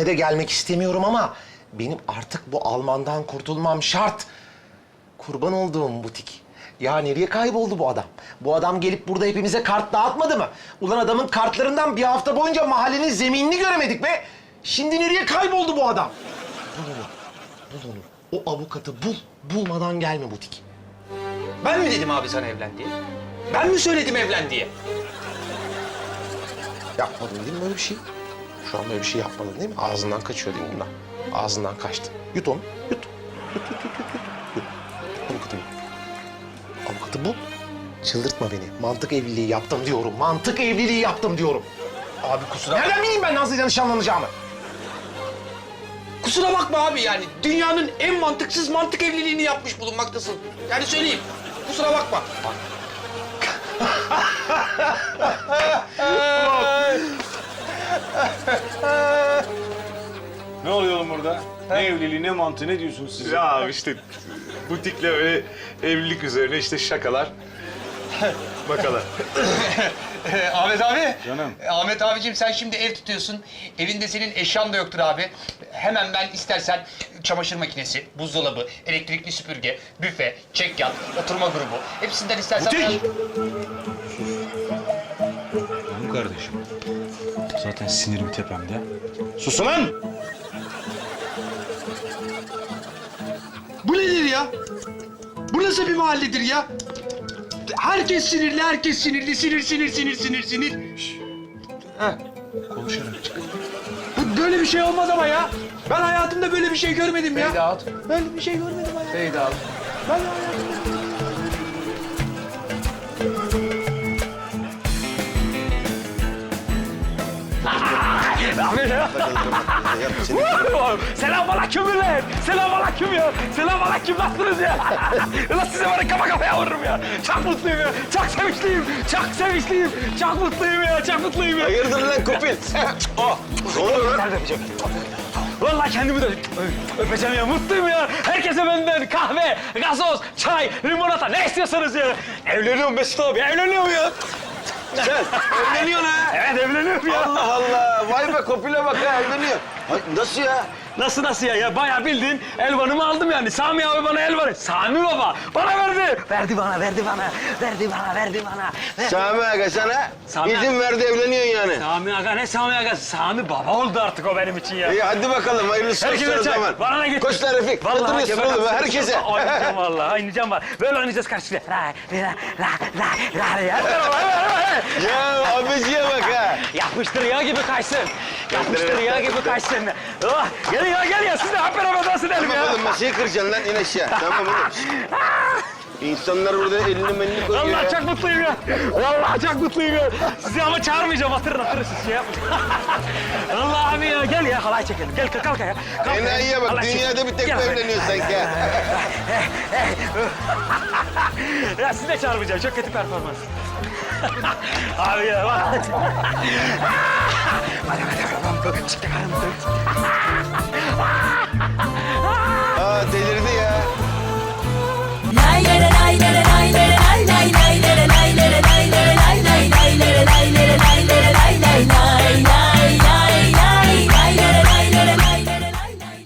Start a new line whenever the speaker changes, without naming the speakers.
evine de gelmek istemiyorum ama benim artık bu Alman'dan kurtulmam şart. Kurban olduğum butik. Ya nereye kayboldu bu adam? Bu adam gelip burada hepimize kart dağıtmadı mı? Ulan adamın kartlarından bir hafta boyunca mahallenin zeminini göremedik be. Şimdi nereye kayboldu bu adam? Bul onu. Bul onu. O avukatı bul. Bulmadan gelme butik.
Ben mi dedim abi sana evlen diye? Ben mi söyledim evlen diye?
Yapmadın değil mi böyle bir şey? Şu an böyle bir şey yapmadın değil mi? Ağzından kaçıyor değil mi bundan? Ağzından kaçtı. Yut onu. Yut. Yut. Avukatı bul. Avukatı bul. Çıldırtma beni. Mantık evliliği yaptım diyorum. Mantık evliliği yaptım diyorum.
Abi kusura
Nereden bileyim ben Nazlı'yla nişanlanacağımı?
Kusura bakma abi yani. Dünyanın en mantıksız mantık evliliğini yapmış bulunmaktasın. Yani söyleyeyim. Kusura bakma.
Ne oluyor oğlum burada? Ne evliliği, ne mantığı, ne diyorsunuz siz?
Ya işte butikle öyle evlilik üzerine işte şakalar. Bakalım.
Ahmet abi.
Canım.
Ahmet abicim sen şimdi ev tutuyorsun. Evinde senin eşyan da yoktur abi. Hemen ben istersen çamaşır makinesi, buzdolabı, elektrikli süpürge, büfe, çekyat, oturma grubu. Hepsinden istersen...
Butik! Canım kardeşim. Zaten sinirim tepemde. Susun lan!
Bu nedir ya? Bu nasıl bir mahalledir ya? Herkes sinirli, herkes sinirli. Sinir.
Konuşarak çık.
Böyle bir şey olmaz ama ya. Ben hayatımda böyle bir şey görmedim ya. Fade out. Böyle bir şey görmedim hayatımda. Fade out. Ben hayatımda... Selamünaleyküm millet. Selamünaleyküm ya. Selamünaleyküm, nasılsınız ya? Ulan size var ya kafa kafaya vururum ya. Çok mutluyum ya. Çok sevinçliyim. Çok sevinçliyim. Çok mutluyum ya. Çok mutluyum ya.
Hayırdır lan kopil? Oh, ne oluyor lan?
Vallahi kendimi de öpeceğim ya. Mutluyum ya. Herkese benden kahve, gazoz, çay, limonata ne istiyorsanız ya. Evleniyorum Mesut abi. Evleniyorum ya.
Sen evleniyorsun ha?
Evet evleniyorum ya.
Allah Allah. Vay be kopile bak ha evleniyor. Ay, nasıl ya?
Nasıl ya? Ya bayağı bildiğin elvanımı aldım yani. Sami abi bana elvanı. Sami baba bana verdi. Verdi bana.
Sami Aga sana
Sami
izin verdi evleniyorsun yani.
Sami aga ne Sami aga? Sami baba oldu artık o benim için ya.
İyi hadi bakalım hayırlısı olsun
Herkese
o
çay.
zaman.
Bana ne getir?
Koç lan Refik. Oturuyorsun oğlum herkese.
Oynayacağım vallahi. Oynayacağım var. Böyle oynayacağız karşıya.
Ya abiciye bak ha.
Yapıştır yağ gibi kaysın. Yapıştır yağ gibi kaysın. Oh, gel ya siz de hep beraber dans edelim
Tamam
ya.
oğlum masayı kıracaksın lan in aşağı. Tamam oğlum. İnsanlar burada elini melini koyuyor
Vallahi
ya.
çok mutluyum ya. Vallahi çok mutluyum ya. Sizi ama çağırmayacağım. Hatırın siz şey yapmayın. Vallahi abi ya gel ya halay çekelim. Gel kalk ya. Kalk
Enayiye bak
Halay
dünyada
çekelim.
bir tek
Gel
bu
be.
evleniyor sanki ha.
Ya sizi de çağırmayacağım. Çok kötü performans. Abi ya bak.
Aa delirdi ya.